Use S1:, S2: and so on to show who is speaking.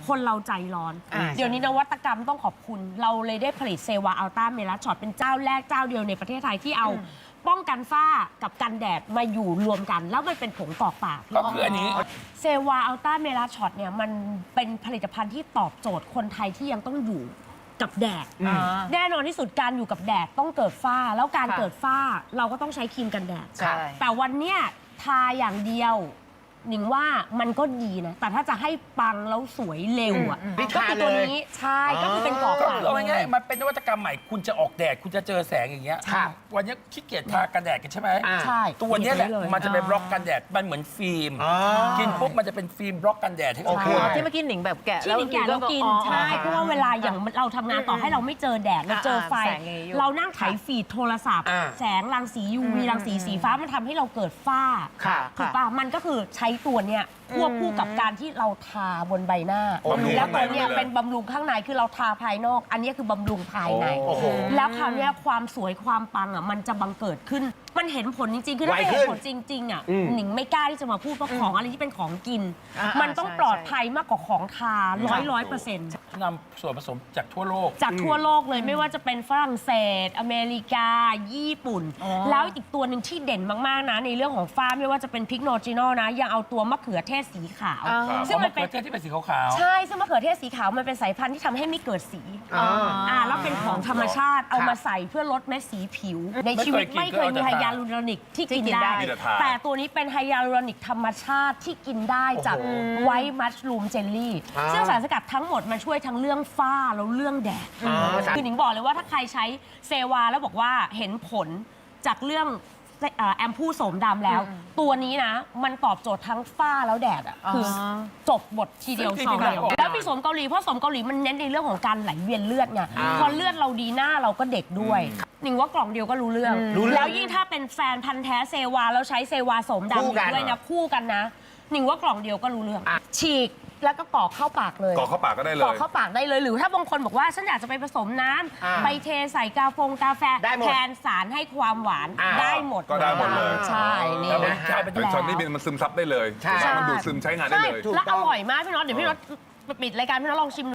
S1: คนเราใจร้อนเดี๋ยวนี้นวัตกรรมต้องขอบคุณเราเลยได้ผลิตเซวาอัลต้าเมลาช็อตเป็นเจ้าแรกเจ้าเดียวในประเทศไทยที่เอาป้องกันฝ้ากับกันแดดมาอยู่รวมกันแล้วมันเป็นผงกรอกปาก
S2: ก็คืออันนี้
S1: เซวาอัลต้าเมลาช็อตเนี่ยมันเป็นผลิตภัณฑ์ที่ตอบโจทย์คนไทยที่ยังต้องอยู่กับแดดแน่นอนที่สุดการอยู่กับแดดต้องเกิดฝ้าแล้วการเกิดฝ้าเราก็ต้องใช้ครีมกันแดดแต่วันเนี้ยทาอย่างเดียวหนิงว่ามันก็ดีนะแต่ถ้าจะให้ปังแล้วสวยเร็วอ่ะก็คือตัวนี้ใช่ก็คือเป็นกรอกปาก
S2: เอาง่ายๆมันเป็นนวัตกรรมใหม่คุณจะออกแดดคุณจะเจอแสงอย่างเงี้ยวันนี้ขี้เกียจทากันแดดกันใช่ไหม
S1: ใช่
S2: ตัวนี้แหละมันจะเป็นบล็อกกันแดดมันเหมือนฟิล์มกินปุ๊บมันจะเป็นฟิล์มบล็อกกันแดดให้เรา
S3: ที่เมื่อกี้หนิงแบบแกะ
S1: ที่หนิงแกะแล้วกินใช่เพราะว่าเวลาอย่างเราทำงานต่อให้เราไม่เจอแดดเราเจอไฟเรานั่งไถฟีดโทรศัพท์แสงรังสี UV รังสีสีฟ้ามันทำให้เราเกิดฝ้าถูกป่ะมันก็คือใช้ตัวเนี้ยควบคู่กับการที่เราทาบนใบหน้าแล้วตัวเนี้ยเป็นบำรุงข้างในคือเราทาภายนอกอันนี้คือบำรุงภายในแล้วคราวนี้ความสวยความปังอ่ะมันจะบังเกิดขึ้นมันเห็นผลจริงๆคือถ้าเห็นผลจริงๆอ่ะหนิงไม่กล้าที่จะมาพูดว่าของอะไรที่เป็นของกินมันต้องปลอดภัยมากกว่าของทา100%
S2: นำส่วนผสมจากทั่วโลก
S1: เลยไม่ว่าจะเป็นฝรั่งเศสอเมริกาญี่ปุ่นแล้วอีกตัวหนึ่งที่เด่นมากๆนะในเรื่องของฝ้าไม่ว่าจะเป็นพิกโนจิโนนะยังเอาตัวมะเขือเทศสีขาว
S2: ซึ่งมันเป็นมะเขือเทศที่เป็นสีขาว
S1: ใช่ซึ่งมะเขือเทศสีขาวมันเป็นสายพันธุ์ที่ทำให้ไม่เกิดสีแล้วเป็นของธรรมชาติเอามาใส่เพื่อลดเม็ดสีผิวในชีวิตไม่เคยมีไฮยาลูรอนิกที่กินได้แต่ตัวนี้เป็นไฮยาลูรอนิกธรรมชาติที่กินได้จากไวท์มัชรูมเจลลี่ซึ่งสารสกัดทั้งหมดมันช่วยทั้งเรื่องฝ้าแล้วเรื่องแดดคือหนิงบอกเลยว่าถ้าใครใช้เซวาแล้วบอกว่าเห็นผลจากเรื่องแอมพูโสมดำแล้วตัวนี้นะมันตอบโจทย์ทั้งฝ้าแล้วแดดอ่ะคือจบบททีเดียวสองเดียวแล้วมีโสมเกาหลีเพราะโสมเกาหลีมันเน้นในเรื่องของการไหลเวียนเลือดไงพอเลือดเราดีหน้าเราก็เด็กด้วยหนิงว่ากล่องเดียวก็รู้เรื่องแล้วยิ่งถ้าเป็นแฟนพันธ์แท้เซวาแล้วใช้เซวาโสมดำด้วยนะคู่กันนะหนิงว่ากล่องเดียวก็รู้เรื่องฉีกแล้วก็กรอกเข้าปากเลย
S4: กรอกเข้าปากก็ได้เลย
S1: กรอกเข้าปากได้เลยหรือถ้าบางคนบอกว่าฉันอยากจะไปผสมน้ำไปเทใส่กาแฟแทนสารให้ความหวานได้หมด
S4: ก็ได้หมดเลย
S1: ใช่นี่นะ
S4: เป็นช็อตนี่มันซึมซับได้เลยมันดูดซึมใช้งานได้เลย
S1: แล้วอร่อยมากพี่น็อตเดี๋ยวพี่น็อตปิดรายการพี่น็อตลองชิม